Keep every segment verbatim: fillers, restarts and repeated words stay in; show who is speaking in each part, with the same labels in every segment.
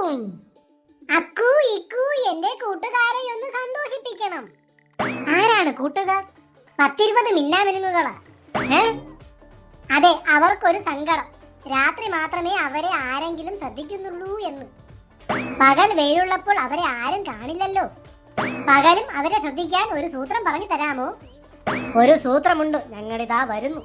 Speaker 1: അക്കു ഇക്കു എന്റെ കൂട്ടുകാരെ ഒന്ന് സന്തോഷിപ്പിക്കണം. ആരാണ് കൂട്ടുകാർ? പത്തിരുപത് മിന്നാമിനുങ്ങുകളാ. ഏ അതെ, അവർക്കൊരു സങ്കടം. രാത്രി മാത്രമേ അവരെ ആരെങ്കിലും ശ്രദ്ധിക്കുന്നുള്ളൂ എന്ന്. പകൽ വെയിലുള്ളപ്പോൾ അവരെ ആരും കാണില്ലല്ലോ. പകലും അവരെ ശ്രദ്ധിക്കാൻ ഒരു സൂത്രം പറഞ്ഞു തരാമോ? ഒരു സൂത്രമുണ്ട്, ഞങ്ങളിതാ വരുന്നു.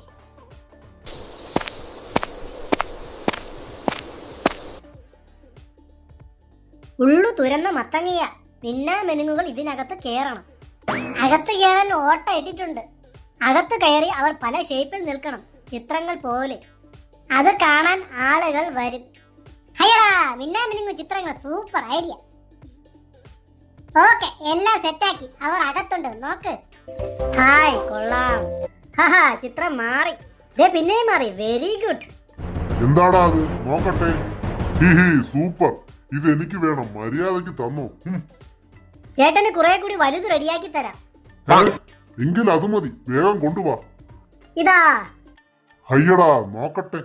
Speaker 1: ഉള്ളു തുരന്ന മത്തങ്ങയ. മിന്നാമിനുങ്ങുകൾ ഇതിനകത്ത് കയറണം. അകത്ത് കയറാൻ ഓട്ട ഇട്ടിട്ടുണ്ട്. അകത്ത് കയറി അവർ പല ഷേപ്പിൽ നിൽക്കണം, ചിത്രങ്ങൾ പോലെ. അത് കാണാൻ ആളുകൾ വരും. ഹയടാ, മിന്നാമിനുങ്ങു ചിത്രങ്ങൾ സൂപ്പർ ഐഡിയ. ഓക്കെ, എല്ലാം സെറ്റാക്കി. അവർ അകത്തുണ്ട്, നോക്ക്. ഹായ്, കൊള്ളാം. ഹഹാ, ചിത്രം മാറി. ദേ പിന്നെയും മാറി. Very good.
Speaker 2: എന്താടാ അത്? നോക്കട്ടെ. ഹിഹി, സൂപ്പർ. ഇത് എനിക്ക് വേണം. മര്യാദക്ക് തന്നോ.
Speaker 1: ചേട്ടന് കുറെ കൂടി വലുത് റെഡിയാക്കി തരാം.
Speaker 2: എങ്കിൽ അത് മതി. വേഗം കൊണ്ടുവാ.
Speaker 1: ഇതാ.
Speaker 2: ഹയ്യടാ, നോക്കട്ടെ.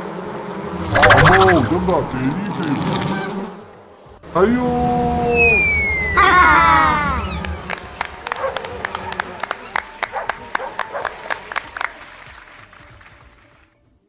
Speaker 2: അമ്മോ, ഇതെന്താ? അയ്യോ.